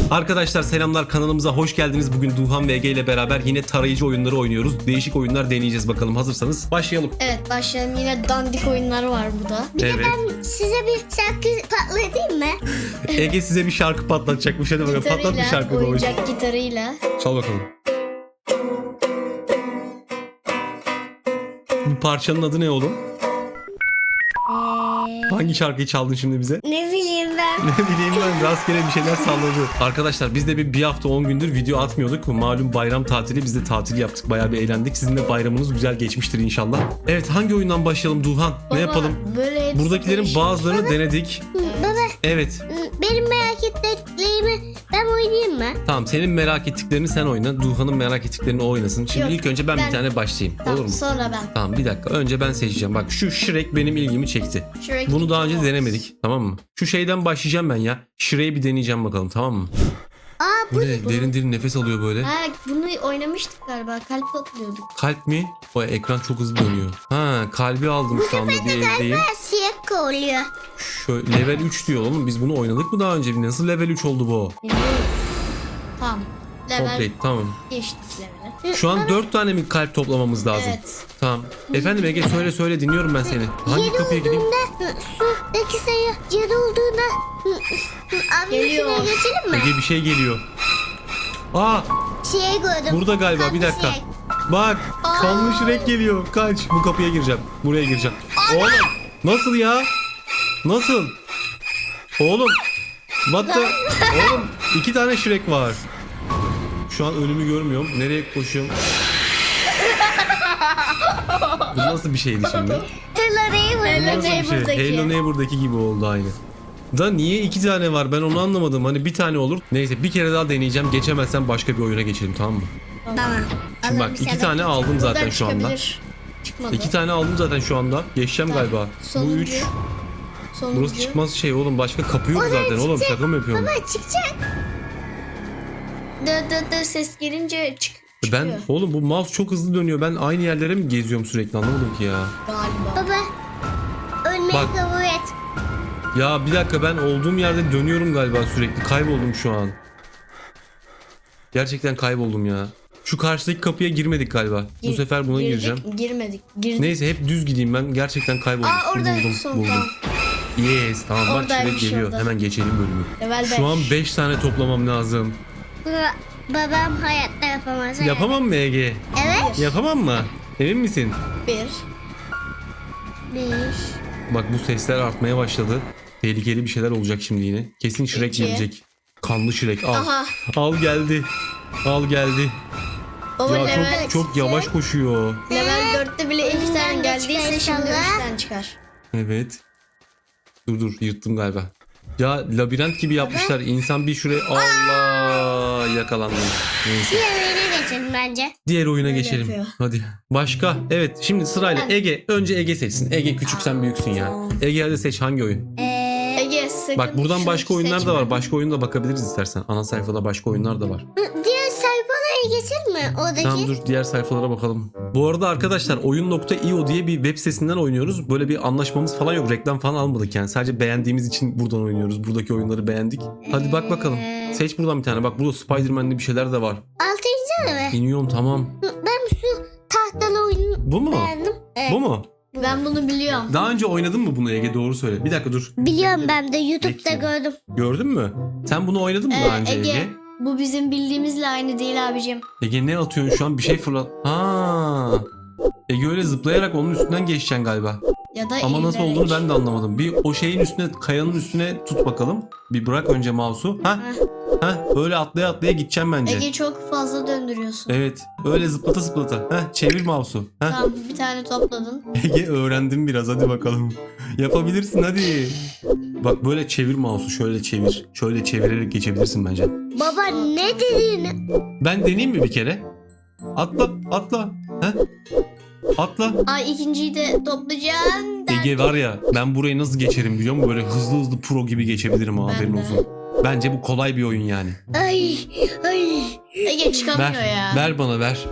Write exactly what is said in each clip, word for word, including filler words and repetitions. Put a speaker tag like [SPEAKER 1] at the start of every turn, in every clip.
[SPEAKER 1] Arkadaşlar selamlar, kanalımıza hoş geldiniz. Bugün Duhan ve Ege ile beraber yine tarayıcı oyunları oynuyoruz. Değişik oyunlar deneyeceğiz bakalım. Hazırsanız başlayalım.
[SPEAKER 2] Evet, başlayalım. Yine dandik oyunlar var burada.
[SPEAKER 3] Bir
[SPEAKER 1] Evet.
[SPEAKER 3] de ben size bir şarkı patlatayım mı?
[SPEAKER 1] Ege size bir şarkı patlatacakmış. Hadi bakalım, patlat bir şarkı babacığım.
[SPEAKER 2] oyuncak gitarıyla.
[SPEAKER 1] Çal bakalım. Bu parçanın adı ne oğlum?
[SPEAKER 3] Ee,
[SPEAKER 1] Hangi şarkıyı çaldın şimdi bize?
[SPEAKER 3] ne bileyim ben.
[SPEAKER 1] Ne bileyim ben, rastgele bir şeyler salladı. Arkadaşlar biz de bir, bir hafta on gündür video atmıyorduk. Malum bayram tatili, biz de tatil yaptık. Bayağı bir eğlendik. Sizin de bayramınız güzel geçmiştir inşallah. Evet, hangi oyundan başlayalım Duhan?
[SPEAKER 2] Baba,
[SPEAKER 1] Ne yapalım?
[SPEAKER 2] Böyle hepsi
[SPEAKER 1] Buradakilerin
[SPEAKER 2] değişik.
[SPEAKER 1] bazılarını denedik.
[SPEAKER 3] Baba
[SPEAKER 1] Evet.
[SPEAKER 3] benim merak ettiklerimi ben oynayayım mı?
[SPEAKER 1] Tamam, senin merak ettiklerini sen oyna. Duhan'ın merak ettiklerini o oynasın. Şimdi
[SPEAKER 2] Yok,
[SPEAKER 1] ilk önce ben,
[SPEAKER 2] ben-
[SPEAKER 1] bir tane başlayayım.
[SPEAKER 2] Tamam,
[SPEAKER 1] Olur mu?
[SPEAKER 2] sonra ben.
[SPEAKER 1] Tamam, bir dakika. Önce ben seçeceğim. Bak, şu Shrek benim ilgimi çekti.
[SPEAKER 2] Shrek
[SPEAKER 1] Bunu daha önce
[SPEAKER 2] Olmaz.
[SPEAKER 1] denemedik. Tamam mı? Şu şeyden başlayacağım ben ya. Shrek'i bir deneyeceğim bakalım, tamam mı?
[SPEAKER 3] Aa
[SPEAKER 1] Bu
[SPEAKER 3] bu
[SPEAKER 1] ne? Derin derin nefes alıyor böyle.
[SPEAKER 2] Ha, bunu oynamıştık galiba. Kalp topluyorduk.
[SPEAKER 1] Kalp mi? O ekran çok hızlı dönüyor. Ha, kalbi aldım şu anda, diğerindeyim.
[SPEAKER 3] siyah oluyor.
[SPEAKER 1] Şöyle level üç diyor oğlum. Biz bunu oynadık mı daha önce? Nasıl level üç oldu bu?
[SPEAKER 2] Bilmiyorum. Tamam. Level
[SPEAKER 1] Complete, tamam.
[SPEAKER 2] geçtik level'e.
[SPEAKER 1] Şu an dört tane mi kalp toplamamız lazım?
[SPEAKER 2] Evet.
[SPEAKER 1] Tamam. Efendim Ege, söyle söyle, dinliyorum ben seni. Hangi
[SPEAKER 3] Yedi
[SPEAKER 1] kapıya gideyim?
[SPEAKER 3] olduğunda sudaki sayı yedi olduğunda abi
[SPEAKER 2] Geliyor.
[SPEAKER 3] şuraya geçelim mi?
[SPEAKER 1] Ege, bir şey geliyor. Aa,
[SPEAKER 3] Şey gördüm.
[SPEAKER 1] burada galiba, bir
[SPEAKER 3] Kanlı
[SPEAKER 1] dakika.
[SPEAKER 3] şey.
[SPEAKER 1] Bak, kanlı Shrek geliyor. Kaç. Bu kapıya gireceğim. Buraya gireceğim. Oğlum, nasıl ya? Nasıl? Oğlum. What the... Oğlum, iki tane Shrek var. Şu an önümü görmüyorum. Nereye koşuyorum? Bu nasıl bir şeydi şimdi?
[SPEAKER 3] Hello Neighbor.
[SPEAKER 2] Hello
[SPEAKER 1] Nasıl bir şey?
[SPEAKER 2] Neighbor'daki.
[SPEAKER 1] Hello Neighbor'daki gibi oldu aynı. Da niye iki tane var, ben onu anlamadım. Hani bir tane olur. Neyse, bir kere daha deneyeceğim. Geçemezsem başka bir oyuna geçelim, tamam mı?
[SPEAKER 3] Tamam.
[SPEAKER 1] Şimdi bak,
[SPEAKER 3] Alın bir
[SPEAKER 1] iki
[SPEAKER 3] sebep.
[SPEAKER 1] tane aldım zaten
[SPEAKER 2] Buradan
[SPEAKER 1] şu anda.
[SPEAKER 2] çıkabilir. Çıkmadı.
[SPEAKER 1] İki tane aldım zaten şu anda. Geçeceğim
[SPEAKER 2] Tamam.
[SPEAKER 1] galiba. Bu
[SPEAKER 2] Sonuncu.
[SPEAKER 1] üç.
[SPEAKER 2] Sonuncu.
[SPEAKER 1] Burası çıkmaz şey oğlum. Başka kapı yok
[SPEAKER 3] Oraya
[SPEAKER 1] zaten oğlum.
[SPEAKER 3] çıkacak.
[SPEAKER 1] Şaka mı yapıyorum?
[SPEAKER 3] Baba çıkacak.
[SPEAKER 2] Dı dı dı ses gelince çık çıkıyor.
[SPEAKER 1] Ben oğlum, bu mouse çok hızlı dönüyor. Ben aynı yerlere mi geziyorum sürekli, anlamadım ki ya.
[SPEAKER 2] Galiba.
[SPEAKER 3] Baba ölmeyi
[SPEAKER 1] Bak.
[SPEAKER 3] kabul et.
[SPEAKER 1] Ya bir dakika, ben olduğum yerde dönüyorum galiba sürekli. Kayboldum şu an. Gerçekten kayboldum ya. Şu karşıdaki kapıya girmedik galiba. Bu
[SPEAKER 2] Gir-
[SPEAKER 1] sefer buna
[SPEAKER 2] girdik,
[SPEAKER 1] gireceğim.
[SPEAKER 2] Girmedik. Girdik.
[SPEAKER 1] Neyse, hep düz gideyim ben. Gerçekten kayboldum.
[SPEAKER 2] Aa, orada
[SPEAKER 1] buldum,
[SPEAKER 2] son,
[SPEAKER 1] buldum.
[SPEAKER 2] tamam.
[SPEAKER 1] Yes, tamam, bak
[SPEAKER 2] Oradaymış,
[SPEAKER 1] Shrek geliyor.
[SPEAKER 2] orada.
[SPEAKER 1] Hemen geçelim bölümü.
[SPEAKER 2] Level
[SPEAKER 1] Şu an
[SPEAKER 2] beş.
[SPEAKER 1] beş tane toplamam lazım.
[SPEAKER 3] Baba, babam hayatta yapamaz.
[SPEAKER 1] Yapamam mı Ege?
[SPEAKER 3] Evet.
[SPEAKER 1] Yapamam mı? Emin misin?
[SPEAKER 2] Bir.
[SPEAKER 3] Bir.
[SPEAKER 1] Bak, bu sesler artmaya başladı. Tehlikeli bir şeyler olacak şimdi yine. Kesin Shrek
[SPEAKER 2] İki.
[SPEAKER 1] gelecek. Kanlı Shrek, al.
[SPEAKER 2] Aha.
[SPEAKER 1] Al geldi. Al geldi.
[SPEAKER 2] Baba
[SPEAKER 1] Ya
[SPEAKER 2] level,
[SPEAKER 1] çok çok yavaş koşuyor.
[SPEAKER 2] level dörtte bile iki
[SPEAKER 3] Önünden
[SPEAKER 2] tane
[SPEAKER 3] de
[SPEAKER 2] geldiyse
[SPEAKER 3] çıkar
[SPEAKER 2] şimdi
[SPEAKER 3] inşallah.
[SPEAKER 2] üç tane çıkar.
[SPEAKER 1] Evet. Dur dur, yırttım galiba. Ya labirent gibi yapmışlar. İnsan bir şuraya... Allah, yakalandım. Neyse.
[SPEAKER 3] Diğer oyuna geçelim bence.
[SPEAKER 1] Diğer oyuna
[SPEAKER 2] Öyle
[SPEAKER 1] geçelim.
[SPEAKER 2] yapıyor.
[SPEAKER 1] Hadi. Başka. Evet, şimdi sırayla
[SPEAKER 2] Ben-
[SPEAKER 1] Ege. Önce Ege seçsin. Ege, küçük sen büyüksün ya. Ege, hadi seç, hangi oyun?
[SPEAKER 3] Ee,
[SPEAKER 2] Ege sakın
[SPEAKER 1] Bak, buradan
[SPEAKER 2] şunu
[SPEAKER 1] başka oyunlar da
[SPEAKER 2] seçme.
[SPEAKER 1] var. Başka oyuna da bakabiliriz istersen. Ana sayfada başka oyunlar da var.
[SPEAKER 3] diğer sayfalara geçelim mi? Oradaki.
[SPEAKER 1] Tamam, dur diğer sayfalara bakalım. Bu arada arkadaşlar, oyun nokta io diye bir web sitesinden oynuyoruz. Böyle bir anlaşmamız falan yok. Reklam falan almadık yani. Sadece beğendiğimiz için buradan oynuyoruz. Buradaki oyunları beğendik. Hadi bak bakalım.
[SPEAKER 3] Ee.
[SPEAKER 1] Seç buradan bir tane. Bak, burada Spider-Man'li bir şeyler de var.
[SPEAKER 3] Altıncı da mı?
[SPEAKER 1] İniyorum, tamam.
[SPEAKER 3] Ben şu tahtalı oyunu
[SPEAKER 1] Bu mu?
[SPEAKER 3] beğendim. Evet.
[SPEAKER 1] Bu mu?
[SPEAKER 2] Ben bunu biliyorum.
[SPEAKER 1] Daha önce oynadın mı bunu Ege? Doğru söyle. Bir dakika dur.
[SPEAKER 3] Biliyorum, ben de YouTube'da
[SPEAKER 1] Bekliyorum.
[SPEAKER 3] gördüm.
[SPEAKER 1] Gördün mü? Sen bunu oynadın mı
[SPEAKER 2] Ee,
[SPEAKER 1] daha önce Ege?
[SPEAKER 2] Ege, bu bizim bildiğimizle aynı değil abicim.
[SPEAKER 1] Ege, ne atıyorsun şu an? Bir şey fırlat. Ha. Ege öyle zıplayarak onun üstünden geçeceksin galiba.
[SPEAKER 2] Ya da
[SPEAKER 1] Ama nasıl
[SPEAKER 2] eğilerek.
[SPEAKER 1] olduğunu ben de anlamadım. Bir o şeyin üstüne, kayanın üstüne tut bakalım. Bir bırak önce mouse'u. Ha? Ha? Öyle atlaya atlaya gideceğim bence.
[SPEAKER 2] Ege çok fazla döndürüyorsun.
[SPEAKER 1] Evet. Öyle zıplata zıplata. Ha? Çevir mouse'u. Ha?
[SPEAKER 2] Tamam, bir tane topladın.
[SPEAKER 1] Ege, öğrendim biraz, hadi bakalım. Yapabilirsin, hadi. Bak, böyle çevir mouse'u, şöyle çevir. Şöyle çevirerek geçebilirsin bence.
[SPEAKER 3] Baba ne dediğini?
[SPEAKER 1] Ben deneyeyim mi bir kere? Atla, atla. Ha? Atla.
[SPEAKER 2] Ay, ikinciyi de toplayacaksın.
[SPEAKER 1] Ege var ya, ben burayı nasıl geçerim biliyor musun? Böyle hızlı hızlı pro gibi geçebilirim, ha,
[SPEAKER 2] Ben
[SPEAKER 1] haberin
[SPEAKER 2] de.
[SPEAKER 1] olsun. Bence bu kolay bir oyun yani.
[SPEAKER 3] Ay ay.
[SPEAKER 2] Ege çıkamıyor
[SPEAKER 1] Ver,
[SPEAKER 2] ya.
[SPEAKER 1] ver bana ver.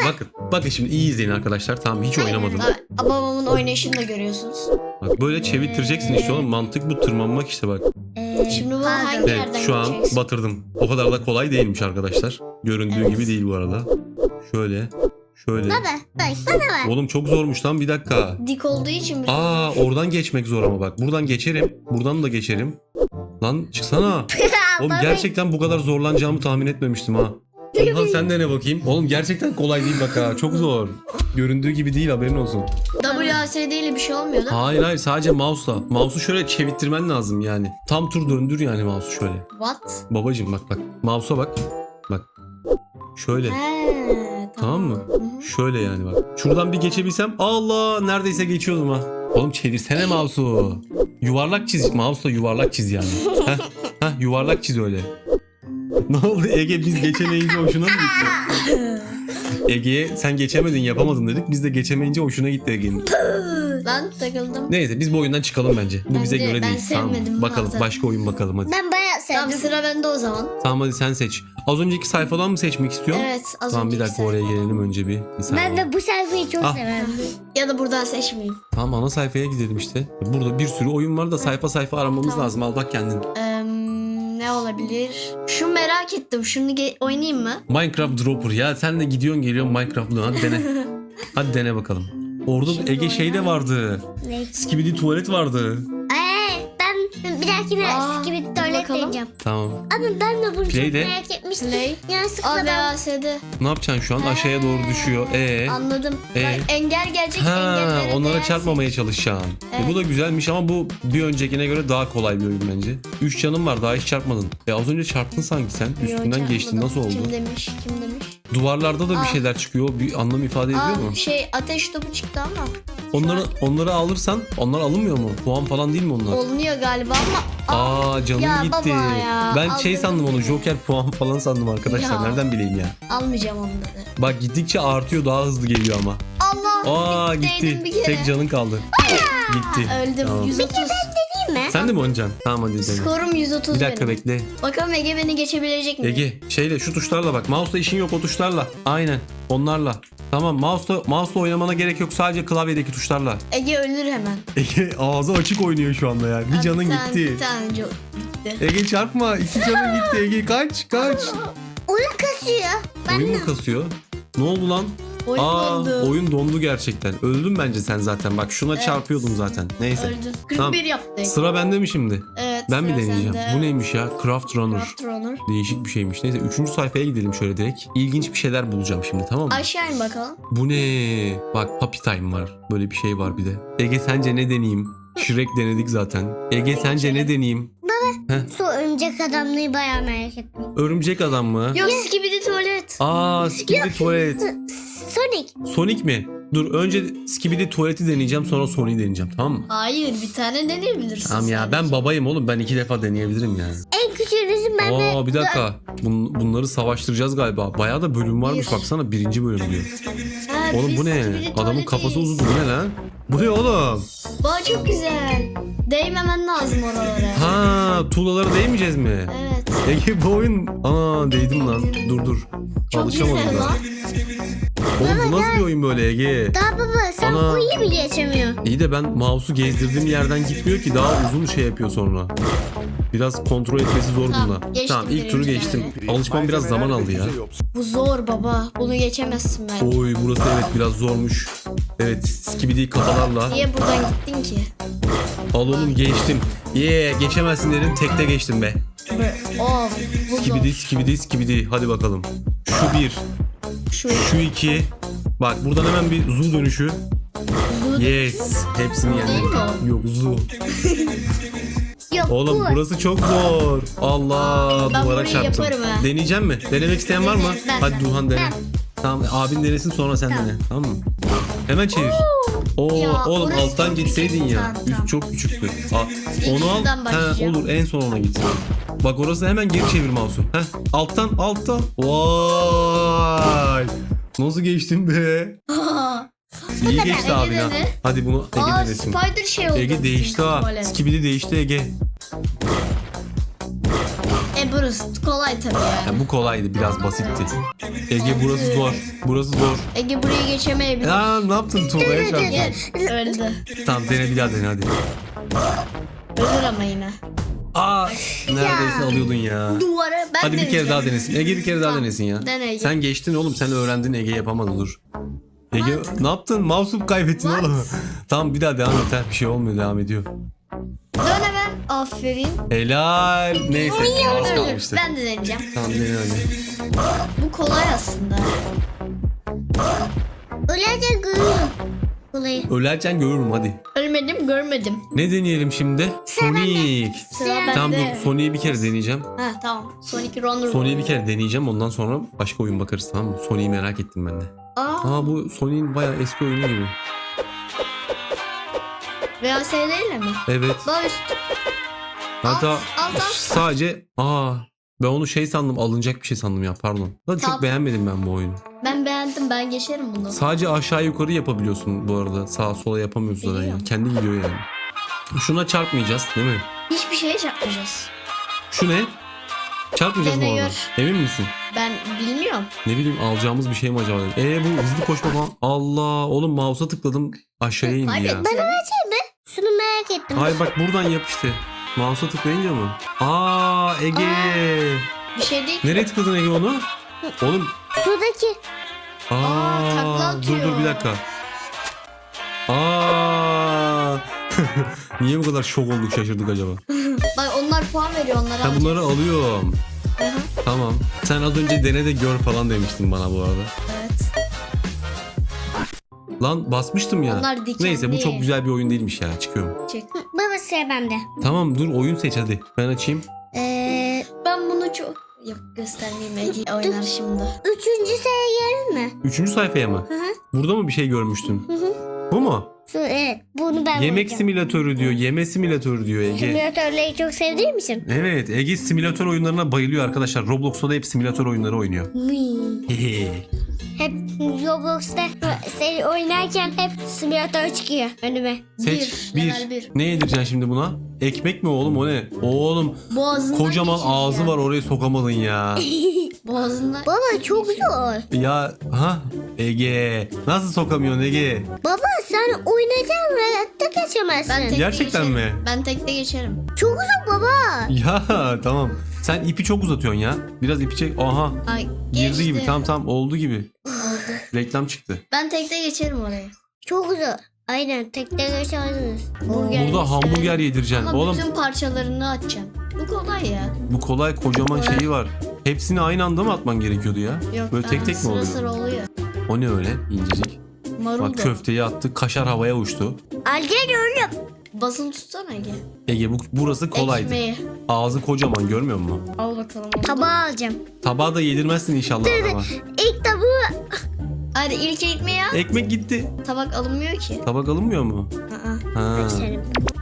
[SPEAKER 1] Bakın. Bakın şimdi iyi izleyin arkadaşlar. Tamam hiç oynamadım.
[SPEAKER 2] Aa, babamın oynayışını da görüyorsunuz.
[SPEAKER 1] Bak böyle çevirtireceksin işte oğlum. Mantık bu, tırmanmak işte bak.
[SPEAKER 3] Ee,
[SPEAKER 2] Şimdi bu
[SPEAKER 3] pardon.
[SPEAKER 2] hangi
[SPEAKER 1] Evet
[SPEAKER 2] yerden
[SPEAKER 1] şu an
[SPEAKER 2] gideceksin?
[SPEAKER 1] batırdım. O kadar da kolay değilmiş arkadaşlar. Göründüğü
[SPEAKER 2] Evet.
[SPEAKER 1] gibi değil bu arada. Şöyle. Şöyle.
[SPEAKER 3] Baba bak bana bak.
[SPEAKER 1] Oğlum çok zormuş lan bir dakika.
[SPEAKER 2] Dik olduğu için biraz.
[SPEAKER 1] Aa oradan geçmek zor ama bak. Buradan geçerim. Buradan da geçerim. Lan çıksana. Oğlum
[SPEAKER 3] Baba,
[SPEAKER 1] gerçekten bu kadar zorlanacağımı tahmin etmemiştim ha. Ondan sen de ne bakayım? Oğlum gerçekten kolay değil bak ha. Çok zor. Göründüğü gibi değil haberin olsun.
[SPEAKER 2] W A S D ile bir şey olmuyor değil mi?
[SPEAKER 1] Hayır hayır sadece mouse'la. Mouse'u şöyle çevirttirmen lazım yani. Tam tur döndür yani mouse'u şöyle.
[SPEAKER 2] What?
[SPEAKER 1] Babacım bak bak. Mouse'a bak. Bak. Şöyle.
[SPEAKER 2] He,
[SPEAKER 1] Tamam mı?
[SPEAKER 2] Hı hı.
[SPEAKER 1] Şöyle yani bak. Şuradan bir geçebilsem Allah neredeyse geçiyordum ha. Oğlum çevirsene mouse'u. Yuvarlak çiz. Mouse'la yuvarlak çiz yani. Heh, heh, yuvarlak çiz öyle. Ne oldu Ege biz geçemeyince hoşuna mı gitti? Ege'ye sen geçemedin yapamadın dedik. Biz de geçemeyince hoşuna gitti Ege'nin.
[SPEAKER 2] Ben takıldım.
[SPEAKER 1] Neyse biz bu oyundan çıkalım bence. Bu bize
[SPEAKER 2] Bence-
[SPEAKER 1] göre
[SPEAKER 2] ben
[SPEAKER 1] değil. Tamam.
[SPEAKER 2] sevmedim
[SPEAKER 1] Bakalım
[SPEAKER 2] bazen.
[SPEAKER 1] başka oyun bakalım hadi.
[SPEAKER 3] Ben bayağı
[SPEAKER 2] Tamam
[SPEAKER 3] sevdim.
[SPEAKER 2] sıra bende o zaman.
[SPEAKER 1] Tamam hadi sen seç. Az önceki sayfadan mı seçmek istiyorsun?
[SPEAKER 2] Evet az
[SPEAKER 1] Tamam bir
[SPEAKER 2] önceki
[SPEAKER 1] dakika oraya
[SPEAKER 2] sayfa.
[SPEAKER 1] gelelim önce bir. bir saniye.
[SPEAKER 3] Ben de bu sayfayı çok
[SPEAKER 1] Ah.
[SPEAKER 3] severim.
[SPEAKER 2] Ya da buradan seçmeyeyim.
[SPEAKER 1] Tamam ana sayfaya gidelim işte. Burada bir sürü oyun var da sayfa sayfa aramamız
[SPEAKER 2] Tamam.
[SPEAKER 1] lazım. Al bak kendin.
[SPEAKER 2] Eee, ne olabilir? Şu merak ettim. Şunu ge- oynayayım mı?
[SPEAKER 1] Minecraft Dropper. Ya sen de gidiyorsun geliyorsun Minecraft'la. Hadi dene. Hadi dene bakalım. Orada
[SPEAKER 2] Şimdi
[SPEAKER 1] Ege şey de
[SPEAKER 2] oynayalım.
[SPEAKER 1] vardı.
[SPEAKER 3] Ne?
[SPEAKER 1] Skibidi tuvalet vardı.
[SPEAKER 3] Ee, ben bir dahakine
[SPEAKER 2] Aa,
[SPEAKER 3] skibidi
[SPEAKER 2] dur
[SPEAKER 3] tuvalet
[SPEAKER 2] bakalım.
[SPEAKER 3] deneyeceğim.
[SPEAKER 1] Tamam.
[SPEAKER 3] Ama ben de bunu
[SPEAKER 1] Play
[SPEAKER 3] çok
[SPEAKER 1] de.
[SPEAKER 3] merak etmiştim.
[SPEAKER 2] Play.
[SPEAKER 3] Yanlışlıkla
[SPEAKER 2] A V
[SPEAKER 3] ben...
[SPEAKER 2] A S D.
[SPEAKER 1] Ne yapacaksın şu an? Aşağıya doğru düşüyor. Ee.
[SPEAKER 2] Anladım.
[SPEAKER 1] Ee?
[SPEAKER 2] Bak, engel gelecek
[SPEAKER 1] Ha,
[SPEAKER 2] engellere
[SPEAKER 1] onlara
[SPEAKER 2] değersin.
[SPEAKER 1] çarpmamaya çalışacaksın. E,
[SPEAKER 2] Evet.
[SPEAKER 1] bu da güzelmiş ama bu bir öncekine göre daha kolay bir oyun bence. Üç canın var daha hiç çarpmadın. E az önce çarptın sanki sen.
[SPEAKER 2] Yo,
[SPEAKER 1] Üstünden geçtin
[SPEAKER 2] çarpmadım.
[SPEAKER 1] nasıl oldu?
[SPEAKER 2] Kim demiş? Kim demiş?
[SPEAKER 1] Duvarlarda da bir
[SPEAKER 2] Aa.
[SPEAKER 1] şeyler çıkıyor. Bir anlam ifade ediyor
[SPEAKER 2] Aa,
[SPEAKER 1] mu?
[SPEAKER 2] şey ateş topu çıktı ama.
[SPEAKER 1] Onları onları alırsan onlar alınmıyor mu? Puan falan değil mi onlar?
[SPEAKER 2] Olunuyor galiba ama.
[SPEAKER 1] Aa canım
[SPEAKER 2] Ya
[SPEAKER 1] gitti.
[SPEAKER 2] baba ya,
[SPEAKER 1] Ben şey
[SPEAKER 2] aldırdım
[SPEAKER 1] sandım onu
[SPEAKER 2] beni.
[SPEAKER 1] Joker puan falan sandım arkadaşlar.
[SPEAKER 2] Ya.
[SPEAKER 1] Nereden bileyim ya?
[SPEAKER 2] Almayacağım onları.
[SPEAKER 1] Bak gittikçe artıyor daha hızlı geliyor ama.
[SPEAKER 2] Allah.
[SPEAKER 1] Aa
[SPEAKER 2] değdim
[SPEAKER 1] gitti.
[SPEAKER 2] bir kere.
[SPEAKER 1] Tek canın kaldı. Gitti.
[SPEAKER 2] Öldüm.
[SPEAKER 1] Tamam.
[SPEAKER 2] yüz otuz.
[SPEAKER 3] Değil mi?
[SPEAKER 1] Sen de mi oynayacaksın? Tamam hadi dene.
[SPEAKER 2] Skorum yüz otuz
[SPEAKER 1] Bir dakika
[SPEAKER 2] benim.
[SPEAKER 1] bekle.
[SPEAKER 2] Bakalım Ege beni geçebilecek mi?
[SPEAKER 1] Ege şeyle şu tuşlarla bak. Mouse'la işin yok o tuşlarla. Aynen. Onlarla. Tamam mouse'la mouse'la oynamana gerek yok. Sadece klavyedeki tuşlarla.
[SPEAKER 2] Ege ölür hemen.
[SPEAKER 1] Ege ağzı açık oynuyor şu anda ya. Bir
[SPEAKER 2] Aa,
[SPEAKER 1] canın
[SPEAKER 2] tane-
[SPEAKER 1] gitti.
[SPEAKER 2] Bir tane co- gitti.
[SPEAKER 1] Ege çarpma. İki canın gitti. Ege kaç kaç.
[SPEAKER 3] Oyun kasıyor. Ben
[SPEAKER 1] Oyun
[SPEAKER 3] de.
[SPEAKER 1] mu kasıyor? Ne oldu lan?
[SPEAKER 2] Oyun
[SPEAKER 1] Aa,
[SPEAKER 2] dondu.
[SPEAKER 1] oyun dondu gerçekten. Öldün bence sen zaten. Bak şuna
[SPEAKER 2] Evet.
[SPEAKER 1] çarpıyordun zaten. Neyse.
[SPEAKER 2] Öldü. kırk bir
[SPEAKER 1] Tamam.
[SPEAKER 2] yaptı.
[SPEAKER 1] Sıra bende mi şimdi?
[SPEAKER 2] Evet.
[SPEAKER 1] Ben mi
[SPEAKER 2] sıra
[SPEAKER 1] deneyeceğim?
[SPEAKER 2] sende.
[SPEAKER 1] Bu neymiş ya? Craft Runner.
[SPEAKER 2] Craft Runner.
[SPEAKER 1] Değişik bir şeymiş. Neyse üçüncü sayfaya gidelim şöyle direkt. İlginç bir şeyler bulacağım şimdi tamam mı?
[SPEAKER 2] Aşağı in bakalım.
[SPEAKER 1] Bu ne? Bak Puppy Time var. Böyle bir şey var bir de. Ege sence ne deneyeyim? Shrek denedik zaten. Ege sence ne deneyeyim?
[SPEAKER 3] Su örümcek adamlığı bayağı merak ettim.
[SPEAKER 1] Örümcek adam mı?
[SPEAKER 2] Yok skibidi tuvalet.
[SPEAKER 1] Aa Skibidi Tuvalet.
[SPEAKER 3] Sonic.
[SPEAKER 1] Sonic mi? Dur önce Skibidi Tuvalet'i deneyeceğim sonra Sonic'i deneyeceğim tamam mı?
[SPEAKER 2] Hayır bir tane deneyebilirsin.
[SPEAKER 1] Tamam ya ben babayım oğlum ben iki defa deneyebilirim yani.
[SPEAKER 3] En küçüğünüzün ben de...
[SPEAKER 1] Aa bir dakika. Bun- bunları savaştıracağız galiba. Bayağı da bölüm varmış
[SPEAKER 2] Bir.
[SPEAKER 1] baksana birinci bölüm diyor.
[SPEAKER 2] Ha,
[SPEAKER 1] Oğlum
[SPEAKER 2] biz
[SPEAKER 1] bu ne?
[SPEAKER 2] skibidi
[SPEAKER 1] Adamın
[SPEAKER 2] tuvaletiz.
[SPEAKER 1] kafası uzun bu ne lan? Bu ne oğlum?
[SPEAKER 2] Bak çok güzel. Değmemen lazım oralara.
[SPEAKER 1] Ha tuğlalara değmeyeceğiz mi?
[SPEAKER 2] Evet.
[SPEAKER 1] Ege bu oyun... Aa değdim lan. Dur dur.
[SPEAKER 2] Çok
[SPEAKER 1] Alışamadım
[SPEAKER 2] güzel
[SPEAKER 1] da.
[SPEAKER 2] lan.
[SPEAKER 1] Oğlum bu nasıl bir oyun böyle Ege?
[SPEAKER 3] Daha baba sen
[SPEAKER 1] Ana.
[SPEAKER 3] bu iyi mi geçemiyor?
[SPEAKER 1] İyi de ben mouse'u gezdirdiğim yerden gitmiyor ki daha uzun şey yapıyor sonra. Biraz kontrol etmesi zor
[SPEAKER 2] Tamam,
[SPEAKER 1] bununla.
[SPEAKER 2] geçtim
[SPEAKER 1] Tamam ilk turu
[SPEAKER 2] birinci
[SPEAKER 1] geçtim.
[SPEAKER 2] yani.
[SPEAKER 1] Alışmam biraz zaman aldı ya.
[SPEAKER 2] Bu zor baba. Bunu geçemezsin ben.
[SPEAKER 1] Oy burası evet biraz zormuş. Evet skibidi kafalarla.
[SPEAKER 2] Niye buradan gittin ki?
[SPEAKER 1] Al oğlum geçtim. Yeah geçemezsin dedim tekte geçtim be.
[SPEAKER 2] Of bu
[SPEAKER 1] Skibidi
[SPEAKER 2] zor.
[SPEAKER 1] skibidi skibidi hadi bakalım. Şu bir.
[SPEAKER 2] Şu
[SPEAKER 1] Şu iki. Bak buradan hemen bir zoo dönüşü.
[SPEAKER 2] Zul-
[SPEAKER 1] Yes. Hepsini
[SPEAKER 2] Değil
[SPEAKER 1] yendim.
[SPEAKER 2] mi o?
[SPEAKER 1] Yok zoo.
[SPEAKER 3] Yok
[SPEAKER 1] Oğlum
[SPEAKER 3] bu.
[SPEAKER 1] burası çok zor. Allah
[SPEAKER 2] Ben
[SPEAKER 1] duvara
[SPEAKER 2] burayı
[SPEAKER 1] çarptım.
[SPEAKER 2] yaparım ha.
[SPEAKER 1] Deneyeceğim mi? Denemek isteyen var mı?
[SPEAKER 2] Ben,
[SPEAKER 1] Hadi
[SPEAKER 2] ben.
[SPEAKER 1] Duhan dene.
[SPEAKER 3] Ben.
[SPEAKER 1] Tamam abin denesin sonra sen dene. Tamam mı? Hemen çevir. Oo
[SPEAKER 2] Ya,
[SPEAKER 1] oğlum
[SPEAKER 2] orası
[SPEAKER 1] alttan
[SPEAKER 2] çok
[SPEAKER 1] gitseydin
[SPEAKER 2] küçük.
[SPEAKER 1] ya.
[SPEAKER 2] Tamam,
[SPEAKER 1] Üst
[SPEAKER 2] tamam.
[SPEAKER 1] çok küçüktü. Aa,
[SPEAKER 2] İlk
[SPEAKER 1] onu al.
[SPEAKER 2] şuradan
[SPEAKER 1] He,
[SPEAKER 2] başlayacağım.
[SPEAKER 1] olur en son ona gitsin. Bak orası hemen geri çevir mouse'u. Heh, alttan alttan. Vay. Nasıl geçtin be? İyi geçti
[SPEAKER 2] Ege
[SPEAKER 1] abi ya.
[SPEAKER 2] dene.
[SPEAKER 1] Hadi bunu Ege
[SPEAKER 2] Aa
[SPEAKER 1] denesin.
[SPEAKER 2] spider şey oldu.
[SPEAKER 1] Ege değişti ha.
[SPEAKER 2] Tuvalet.
[SPEAKER 1] Skibidi değişti Ege.
[SPEAKER 2] E burası kolay tabii ya.
[SPEAKER 1] Yani bu kolaydı, biraz basitti. Ege burası zor. Burası zor.
[SPEAKER 2] Ege burayı geçemeyebilir.
[SPEAKER 1] Ya ne yaptın Tuğla'ya çarptın?
[SPEAKER 2] Öldü.
[SPEAKER 1] Tamam dene bir daha dene hadi.
[SPEAKER 2] Ölür ama yine.
[SPEAKER 1] Aa neredeyse alıyordun ya.
[SPEAKER 2] Duvara ben
[SPEAKER 1] Hadi bir kere
[SPEAKER 2] deneyeceğim.
[SPEAKER 1] daha denesin. Ege bir kere daha
[SPEAKER 2] Tamam,
[SPEAKER 1] denesin ya.
[SPEAKER 2] dene Ege.
[SPEAKER 1] Sen geçtin oğlum, sen öğrendin, Ege yapamadı, dur. Ege ne yaptın? Mouse'u kaybettin
[SPEAKER 2] What?
[SPEAKER 1] oğlum. Tamam bir daha devam et. ha. Bir şey olmuyor, devam ediyor.
[SPEAKER 2] Dön hemen. Aferin.
[SPEAKER 1] Helal. Neyse az
[SPEAKER 2] Ölür.
[SPEAKER 1] kalmıştı.
[SPEAKER 2] Ben de deneyeceğim.
[SPEAKER 1] Tamam dene hadi.
[SPEAKER 2] Bu kolay aslında.
[SPEAKER 3] Öylece görüyorum. Kolayı.
[SPEAKER 1] Ölerken görürüm hadi.
[SPEAKER 2] Ölmedim görmedim.
[SPEAKER 1] Ne deneyelim şimdi? Sonic.
[SPEAKER 2] Sıra bende.
[SPEAKER 1] Tamam dur, Sonic'i bir kere deneyeceğim.
[SPEAKER 2] Ha tamam. Sonic Runner.
[SPEAKER 1] Sonic'i bir kere deneyeceğim, ondan sonra başka oyun bakarız, tamam mı? Sonic'i merak ettim ben de.
[SPEAKER 2] Aa,
[SPEAKER 1] Aa bu Sonic'in bayağı eski oyunu gibi.
[SPEAKER 2] V S D'yle mi?
[SPEAKER 1] Evet.
[SPEAKER 2] Daha üst.
[SPEAKER 1] Hatta
[SPEAKER 2] alt, alt.
[SPEAKER 1] sadece aa ben onu şey sandım, alınacak bir şey sandım ya, pardon. Da çok
[SPEAKER 2] Tab-
[SPEAKER 1] beğenmedim ben bu oyunu.
[SPEAKER 2] Ben beğendim, ben geçerim bunu.
[SPEAKER 1] Sadece aşağı yukarı yapabiliyorsun bu arada. Sağa sola yapamıyorsun zaten ya.
[SPEAKER 2] Biliyorum.
[SPEAKER 1] Kendi gidiyor yani. Şuna çarpmayacağız değil mi?
[SPEAKER 2] Hiçbir şeye çarpmayacağız.
[SPEAKER 1] Şu ne? Çarpmayacağız mı orada?
[SPEAKER 2] Deniyor.
[SPEAKER 1] Emin misin?
[SPEAKER 2] Ben bilmiyorum.
[SPEAKER 1] Ne bileyim, alacağımız bir şey mi acaba? Eee bu hızlı koşma falan. Allah oğlum, mouse'a tıkladım aşağıya indi ya.
[SPEAKER 2] Kaybettim.
[SPEAKER 3] Bana versene be. Şunu merak ettim.
[SPEAKER 1] Hayır bak buradan yap işte. Mouse'a tıklayınca mı? Aa Ege.
[SPEAKER 2] Bir şey değil.
[SPEAKER 1] Nereye tıkladın Ege onu? Oğlum.
[SPEAKER 3] Şuradaki.
[SPEAKER 1] Aa,
[SPEAKER 2] takla
[SPEAKER 1] dur
[SPEAKER 2] atıyor.
[SPEAKER 1] dur bir dakika. Aa. Niye bu kadar şok olduk, şaşırdık acaba?
[SPEAKER 2] Bak onlar puan veriyor, onları
[SPEAKER 1] Ben
[SPEAKER 2] alacağız.
[SPEAKER 1] bunları alıyorum.
[SPEAKER 2] Hı hı.
[SPEAKER 1] Tamam. Sen az önce dene de gör falan demiştin bana bu arada.
[SPEAKER 2] Evet.
[SPEAKER 1] Lan basmıştım ya.
[SPEAKER 2] Onlar dikenli.
[SPEAKER 1] Neyse bu çok güzel bir oyun değilmiş ya. Çıkıyorum.
[SPEAKER 2] Çek.
[SPEAKER 3] Baba sıra bende.
[SPEAKER 1] Tamam dur, oyun seç hadi. Ben açayım.
[SPEAKER 3] Ee,
[SPEAKER 2] Ben bunu çok... Yok göstermeyeyim, Ege oynar şimdi.
[SPEAKER 3] üçüncü sıraya gelir mi?
[SPEAKER 1] Üçüncü sayfaya mı?
[SPEAKER 3] Hı hı.
[SPEAKER 1] Burada mı bir şey görmüştün?
[SPEAKER 3] Hı hı.
[SPEAKER 1] Bu mu?
[SPEAKER 3] Şu, evet. Bunu ben
[SPEAKER 1] Yemek
[SPEAKER 3] oynayacağım.
[SPEAKER 1] simülatörü diyor. Yeme simülatörü diyor Ege.
[SPEAKER 3] Simülatörleri çok sevdiğim için.
[SPEAKER 1] Evet, Ege simülatör oyunlarına bayılıyor arkadaşlar. Roblox'ta da hep simülatör oyunları oynuyor.
[SPEAKER 3] Hıı.
[SPEAKER 1] Hehe.
[SPEAKER 3] Hep Roblox'ta sen oynarken hep simülatör çıkıyor önüme.
[SPEAKER 1] Seç
[SPEAKER 2] Bir,
[SPEAKER 1] bir.
[SPEAKER 2] level bir.
[SPEAKER 1] Ne yedireceksin şimdi buna? Ekmek mi oğlum, o ne? Oğlum
[SPEAKER 2] Boğazından
[SPEAKER 1] kocaman
[SPEAKER 2] geçiyor
[SPEAKER 1] ağzı
[SPEAKER 2] ya.
[SPEAKER 1] var, oraya sokamadın ya.
[SPEAKER 2] Boğazından...
[SPEAKER 3] Baba çok zor.
[SPEAKER 1] Ya ha Ege. Nasıl sokamıyorsun Ege?
[SPEAKER 3] Baba sen oynayacaksın hayatta geçemezsin.
[SPEAKER 2] Ben tekte
[SPEAKER 1] Gerçekten
[SPEAKER 2] geçerim.
[SPEAKER 1] mi?
[SPEAKER 2] Ben tekte geçerim.
[SPEAKER 3] Çok uzun baba.
[SPEAKER 1] Ya tamam. Sen ipi çok uzatıyorsun ya. Biraz ipi çek. Aha.
[SPEAKER 2] Ay,
[SPEAKER 1] Girdi
[SPEAKER 2] geçti.
[SPEAKER 1] gibi. Tamam tamam oldu gibi.
[SPEAKER 2] Oldu.
[SPEAKER 1] Reklam çıktı.
[SPEAKER 2] Ben tekte geçerim oraya.
[SPEAKER 3] Çok uzun. Aynen tekte geçersiniz.
[SPEAKER 2] Burger
[SPEAKER 1] Burada hamburger yedireceksin.
[SPEAKER 2] Ama
[SPEAKER 1] Oğlum
[SPEAKER 2] bütün parçalarını atacağım. Bu kolay ya.
[SPEAKER 1] bu kolay, kocaman
[SPEAKER 2] Kolay.
[SPEAKER 1] şeyi var. Hepsini aynı anda mı atman gerekiyordu ya?
[SPEAKER 2] Yok,
[SPEAKER 1] Böyle tek
[SPEAKER 2] ben-
[SPEAKER 1] tek mi
[SPEAKER 2] sıra
[SPEAKER 1] oluyor?
[SPEAKER 2] sıra oluyor.
[SPEAKER 1] O ne öyle incecik?
[SPEAKER 2] Marul
[SPEAKER 1] Bak
[SPEAKER 2] da.
[SPEAKER 1] köfteyi attık, kaşar havaya uçtu.
[SPEAKER 3] Algen oğlum.
[SPEAKER 2] Basılı tutsana Ege.
[SPEAKER 1] Ege bu, burası kolaydı.
[SPEAKER 2] Ekmeği.
[SPEAKER 1] Ağzı kocaman, görmüyor musun?
[SPEAKER 2] Al bakalım. onu.
[SPEAKER 3] Tabağı alacağım.
[SPEAKER 1] Tabağı da yedirmezsin inşallah adama.
[SPEAKER 3] İlk tabağı.
[SPEAKER 2] Hadi ilk ekmeği al.
[SPEAKER 1] Ekmek gitti.
[SPEAKER 2] Tabak alınmıyor ki.
[SPEAKER 1] Tabak alınmıyor mu?
[SPEAKER 2] Aa,
[SPEAKER 1] Ha.
[SPEAKER 3] Senin.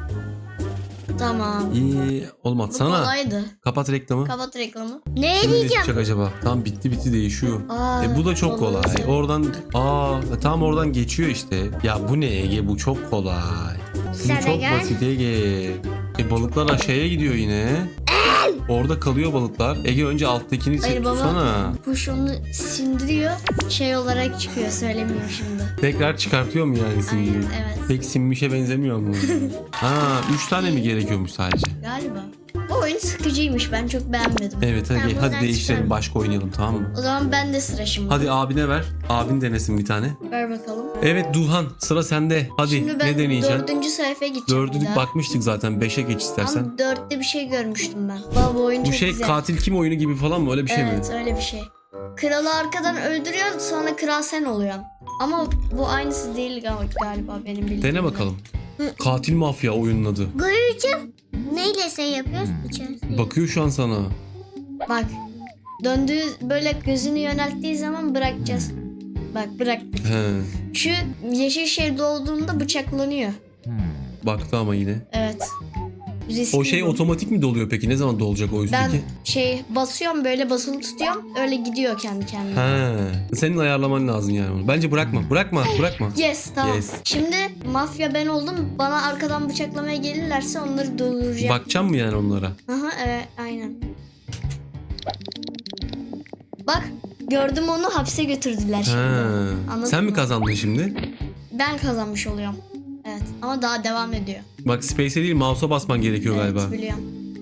[SPEAKER 2] tamam.
[SPEAKER 1] İyi. Oğlum
[SPEAKER 2] Bu
[SPEAKER 1] atsana.
[SPEAKER 2] kolaydı.
[SPEAKER 1] Kapat reklamı.
[SPEAKER 2] Kapat reklamı.
[SPEAKER 3] Ne
[SPEAKER 1] Şimdi ne
[SPEAKER 3] diyeceğim?
[SPEAKER 1] çıkacak acaba? Tamam bitti bitti değişiyor.
[SPEAKER 2] Aa,
[SPEAKER 1] E bu da çok
[SPEAKER 2] olur
[SPEAKER 1] kolay.
[SPEAKER 2] mesela.
[SPEAKER 1] Oradan aa e, tam oradan geçiyor işte. Ya bu ne Ege, bu çok kolay. Bu
[SPEAKER 3] Sana
[SPEAKER 1] çok
[SPEAKER 3] gel.
[SPEAKER 1] basit Ege. E balıklar aşağıya gidiyor yine. Orada kalıyor balıklar. Ege önce alttakini
[SPEAKER 2] Hayır
[SPEAKER 1] çek
[SPEAKER 2] baba.
[SPEAKER 1] tutsana.
[SPEAKER 2] Kuş onu sindiriyor. Şey olarak çıkıyor. Söylemiyorum şimdi.
[SPEAKER 1] Tekrar çıkartıyor mu yani sindiriyor?
[SPEAKER 2] Aynen evet.
[SPEAKER 1] Pek sinmişe benzemiyor mu? Ha, üç tane mi gerekiyormuş sadece?
[SPEAKER 2] Galiba. Bu oyun sıkıcıymış. Ben çok beğenmedim.
[SPEAKER 1] Evet hadi,
[SPEAKER 3] Ben
[SPEAKER 1] hadi
[SPEAKER 3] buradan
[SPEAKER 1] değiştirelim,
[SPEAKER 3] çıkarım.
[SPEAKER 1] başka oynayalım, tamam mı?
[SPEAKER 2] O zaman ben de sıra şimdi.
[SPEAKER 1] Hadi abine ver. Abin denesin bir tane.
[SPEAKER 2] Ver bakalım.
[SPEAKER 1] Evet Duhan, sıra sende. Hadi
[SPEAKER 2] Şimdi ben
[SPEAKER 1] ne deneyeceksin?
[SPEAKER 2] dördüncü sayfaya gideceğim. bir
[SPEAKER 1] Dördü
[SPEAKER 2] daha.
[SPEAKER 1] bakmıştık zaten. Beşe geç istersen.
[SPEAKER 2] Ama dörtte bir şey görmüştüm ben. Baba bu oyun
[SPEAKER 1] Bu
[SPEAKER 2] çok
[SPEAKER 1] şey
[SPEAKER 2] güzel.
[SPEAKER 1] katil kim oyunu gibi falan mı? Öyle bir şey
[SPEAKER 2] Evet
[SPEAKER 1] mi?
[SPEAKER 2] öyle bir şey. Kralı arkadan öldürüyorsun, sonra kral sen oluyorsun. Ama bu aynısı değil gal- galiba benim bildiğim.
[SPEAKER 1] Dene bakalım. Katil mafya oyunun adı.
[SPEAKER 3] Göreceğim. Neyle şey yapıyoruz? İçerisinde.
[SPEAKER 1] Bakıyor şu an sana.
[SPEAKER 2] Bak. Döndüğü böyle gözünü yönelttiği zaman bırakacağız. Bak bırak.
[SPEAKER 1] He.
[SPEAKER 2] Şu yeşil şey dolduğunda bıçaklanıyor.
[SPEAKER 1] Baktı ama yine.
[SPEAKER 2] Evet. Riskli
[SPEAKER 1] O şey
[SPEAKER 2] bu.
[SPEAKER 1] otomatik mi doluyor peki? Ne zaman dolacak o
[SPEAKER 2] Ben
[SPEAKER 1] üstteki?
[SPEAKER 2] şey basıyorum böyle basılı tutuyorum öyle gidiyor kendi kendine.
[SPEAKER 1] He. Senin ayarlaman lazım yani onu. Bence bırakma. Bırakma. Bırakma.
[SPEAKER 2] Yes tamam.
[SPEAKER 1] Yes.
[SPEAKER 2] Şimdi mafya ben oldum. Bana arkadan bıçaklamaya gelirlerse onları durduracağım.
[SPEAKER 1] Bakacağım mı yani onlara?
[SPEAKER 2] Aha evet aynen. Bak gördüm onu hapse götürdüler şimdi.
[SPEAKER 1] Ha.
[SPEAKER 2] Anladın
[SPEAKER 1] Sen mi
[SPEAKER 2] mı?
[SPEAKER 1] kazandın şimdi?
[SPEAKER 2] Ben kazanmış oluyorum. Evet ama daha devam ediyor.
[SPEAKER 1] Bak space'e değil mouse'a basman gerekiyor
[SPEAKER 2] Evet
[SPEAKER 1] galiba.
[SPEAKER 2] biliyorum.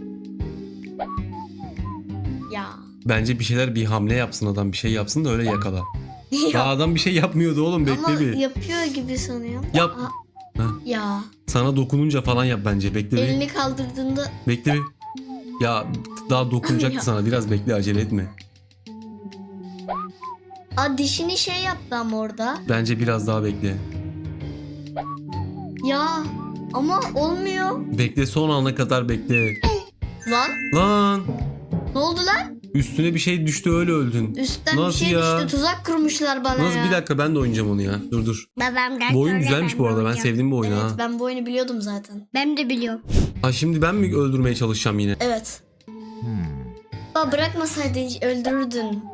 [SPEAKER 2] Ya.
[SPEAKER 1] Bence bir şeyler bir hamle yapsın adam bir şey yapsın da öyle yakala. Daha adam bir şey yapmıyordu oğlum bekle
[SPEAKER 2] Ama
[SPEAKER 1] bir.
[SPEAKER 2] yapıyor gibi sanıyorum.
[SPEAKER 1] Yap.
[SPEAKER 2] Aa,
[SPEAKER 1] Ha.
[SPEAKER 2] ya.
[SPEAKER 1] Sana dokununca falan yap bence bekle bir.
[SPEAKER 2] Elini kaldırdığında
[SPEAKER 1] Bekle bir. Ya daha dokunacaktı
[SPEAKER 2] Ya.
[SPEAKER 1] sana biraz bekle acele etme.
[SPEAKER 2] Aa, dişini şey yaptı ama orada.
[SPEAKER 1] Bence biraz daha bekle.
[SPEAKER 2] Ya ama olmuyor.
[SPEAKER 1] Bekle son ana kadar bekle.
[SPEAKER 2] Lan
[SPEAKER 1] Lan
[SPEAKER 2] ne oldu lan?
[SPEAKER 1] üstüne bir şey düştü öyle öldün.
[SPEAKER 2] Üstten
[SPEAKER 1] Nasıl
[SPEAKER 2] bir şey
[SPEAKER 1] ya?
[SPEAKER 2] düştü. Tuzak kurmuşlar bana
[SPEAKER 1] Nasıl
[SPEAKER 2] ya.
[SPEAKER 1] bir dakika ben de oynayacağım onu ya. Dur dur.
[SPEAKER 3] Babamdan
[SPEAKER 1] Bu oyun
[SPEAKER 3] sonra
[SPEAKER 1] güzelmiş
[SPEAKER 3] ben
[SPEAKER 1] bu
[SPEAKER 3] de
[SPEAKER 1] arada. Ben
[SPEAKER 3] oynayacağım.
[SPEAKER 1] sevdim bu oyunu
[SPEAKER 2] Evet
[SPEAKER 1] ha.
[SPEAKER 2] ben bu oyunu biliyordum zaten.
[SPEAKER 3] Ben de biliyorum.
[SPEAKER 1] Ha şimdi ben mi öldürmeye çalışacağım yine?
[SPEAKER 2] Evet. Baba bırakmasaydın öldürürdün.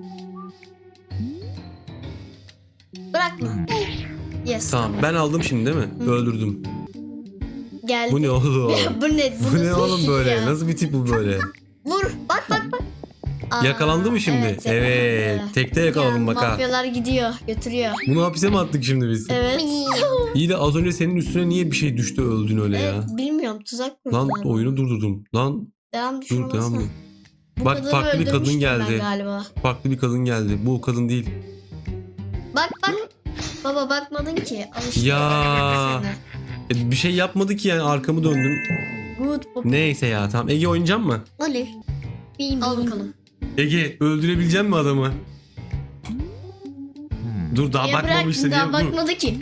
[SPEAKER 2] Bırakma. Yes.
[SPEAKER 1] Tamam ben aldım şimdi değil mi? Öldürdüm.
[SPEAKER 2] Geldi.
[SPEAKER 1] Bu ne oğlum?
[SPEAKER 2] bu ne?
[SPEAKER 1] Bu ne
[SPEAKER 2] nasıl
[SPEAKER 1] oğlum
[SPEAKER 2] iş
[SPEAKER 1] böyle?
[SPEAKER 2] ya?
[SPEAKER 1] Nasıl bir tip bu böyle?
[SPEAKER 2] Vur. Bak bak bak. Aa,
[SPEAKER 1] Yakalandı mı şimdi?
[SPEAKER 2] Evet.
[SPEAKER 1] Evet.
[SPEAKER 2] yakalandı.
[SPEAKER 1] Tekte yakaladım bak ha.
[SPEAKER 2] Mafyalar gidiyor. Götürüyor.
[SPEAKER 1] Bunu hapise mi attık şimdi biz?
[SPEAKER 2] Evet.
[SPEAKER 1] İyi de az önce senin üstüne niye bir şey düştü öldün öyle ya?
[SPEAKER 2] Evet, bilmiyorum tuzak kurdular.
[SPEAKER 1] Lan oyunu durdurdum. Lan
[SPEAKER 2] Devam düşün
[SPEAKER 1] dur devam
[SPEAKER 2] olmasın.
[SPEAKER 1] et.
[SPEAKER 2] Bu
[SPEAKER 1] Bak,
[SPEAKER 2] kadını
[SPEAKER 1] farklı bir kadın
[SPEAKER 2] öldürmüştüm ben
[SPEAKER 1] geldi.
[SPEAKER 2] Galiba.
[SPEAKER 1] Farklı bir kadın geldi. Bu o kadın değil.
[SPEAKER 2] Bak bak. Baba bakmadın ki. Al işte,
[SPEAKER 1] Ya.
[SPEAKER 2] öldürdü seni.
[SPEAKER 1] E, bir şey yapmadı ki yani arkamı döndüm.
[SPEAKER 2] Good pop.
[SPEAKER 1] Neyse ya tamam. Ege oynayacak mı?
[SPEAKER 3] Olur. Benim
[SPEAKER 2] Al
[SPEAKER 3] benim.
[SPEAKER 2] bakalım.
[SPEAKER 1] Ege öldürebilecek mi adamı? Dur daha
[SPEAKER 2] Niye
[SPEAKER 1] bakmamıştı
[SPEAKER 2] bıraktın?
[SPEAKER 1] diye.
[SPEAKER 2] Daha
[SPEAKER 1] Dur.
[SPEAKER 2] bakmadı ki.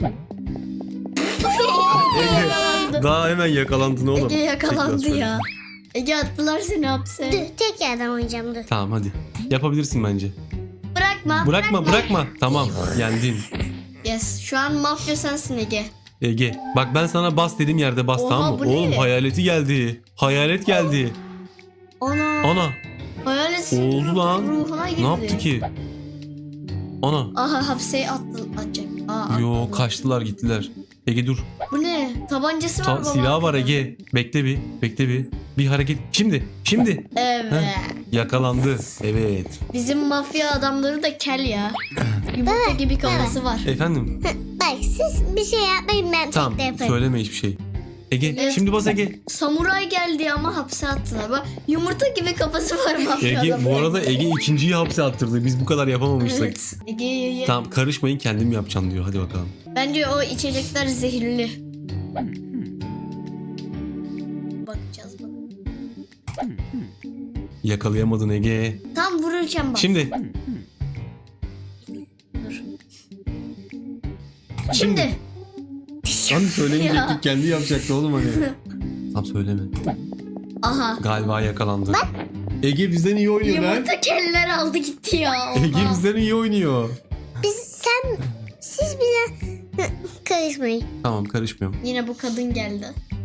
[SPEAKER 1] Ege daha hemen yakalandın oğlum.
[SPEAKER 2] Ege yakalandı
[SPEAKER 1] Tekrar
[SPEAKER 2] ya. Ege attılar seni hapse.
[SPEAKER 3] Dur tek yerden oynayacağım dur.
[SPEAKER 1] Tamam hadi. Yapabilirsin bence.
[SPEAKER 2] Bırakma.
[SPEAKER 1] Bırakma bırakma. Tamam yendin.
[SPEAKER 2] Yes. Şu an mafya sensin Ege.
[SPEAKER 1] Ege bak ben sana bas dediğim yerde bas
[SPEAKER 2] Oha,
[SPEAKER 1] tamam mı?
[SPEAKER 2] bu ne?
[SPEAKER 1] Oğlum hayaleti geldi. Hayalet geldi.
[SPEAKER 2] Ana.
[SPEAKER 1] Ana
[SPEAKER 2] Hayalet senin
[SPEAKER 1] oldu lan.
[SPEAKER 2] ruhuna girdi.
[SPEAKER 1] Ne yaptı ki? Ana.
[SPEAKER 2] Aha hapse attı, atacak. Aa,
[SPEAKER 1] Yo
[SPEAKER 2] atladı.
[SPEAKER 1] kaçtılar gittiler. Ege dur.
[SPEAKER 2] Bu ne? Tabancası var
[SPEAKER 1] Ta-
[SPEAKER 2] baba.
[SPEAKER 1] silahı var Ege. Bekle bir. Bekle bir. Bir hareket. Şimdi. Şimdi.
[SPEAKER 2] Evet.
[SPEAKER 1] Yakalandı. Evet.
[SPEAKER 2] Bizim mafya adamları da kel ya. Yumurta gibi kafası var.
[SPEAKER 1] Efendim.
[SPEAKER 3] Bak siz bir şey yapmayın ben
[SPEAKER 1] Tamam.
[SPEAKER 3] tek de yaparım.
[SPEAKER 1] Söyleme hiçbir şey. Ege
[SPEAKER 2] Evet.
[SPEAKER 1] şimdi bas Ege.
[SPEAKER 2] Samuray geldi ama hapse attılar. Bak yumurta gibi kafası var mafya
[SPEAKER 1] Ege
[SPEAKER 2] adamı.
[SPEAKER 1] bu arada Ege ikinciyi hapse attırdı. Biz bu kadar yapamamıştık.
[SPEAKER 2] Evet. Ege ye, ye.
[SPEAKER 1] Tamam karışmayın kendim yapacağım diyor. Hadi bakalım.
[SPEAKER 2] Bence o içecekler zehirli. Bakacağız bak.
[SPEAKER 1] Yakalayamadın Ege.
[SPEAKER 2] Tam vururken bak.
[SPEAKER 1] Şimdi.
[SPEAKER 2] Dur.
[SPEAKER 1] Şimdi.
[SPEAKER 2] Şimdi.
[SPEAKER 1] Hani söylemeyecektik
[SPEAKER 2] Ya.
[SPEAKER 1] kendi yapacaktı oğlum hani. Tamam söyleme.
[SPEAKER 2] Aha.
[SPEAKER 1] Galiba yakalandı. Ege bizden iyi oynuyor lan.
[SPEAKER 2] Yumurta keller aldı gitti ya.
[SPEAKER 1] Ege
[SPEAKER 2] Oha.
[SPEAKER 1] bizden iyi oynuyor.
[SPEAKER 3] Biz sen siz bize karışmayın.
[SPEAKER 1] Tamam karışmıyorum.
[SPEAKER 2] Yine bu kadın geldi.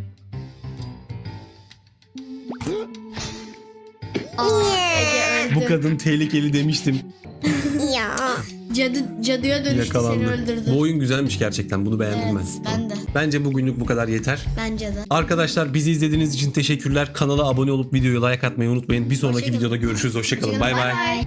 [SPEAKER 2] Aa, Ege öldü.
[SPEAKER 1] Bu kadın tehlikeli demiştim.
[SPEAKER 3] Ya.
[SPEAKER 2] Cadı, cadıya dönüştü seni
[SPEAKER 1] Yakalandı.
[SPEAKER 2] öldürdü.
[SPEAKER 1] Bu oyun güzelmiş gerçekten. Bunu beğendim
[SPEAKER 2] Evet,
[SPEAKER 1] ben.
[SPEAKER 2] ben de.
[SPEAKER 1] Bence bugünlük bu kadar yeter.
[SPEAKER 2] Bence de.
[SPEAKER 1] Arkadaşlar bizi izlediğiniz için teşekkürler. Kanala abone olup videoyu like atmayı unutmayın. Bir sonraki
[SPEAKER 2] Hoşçakalın.
[SPEAKER 1] videoda görüşürüz. Hoşçakalın. Bay bay.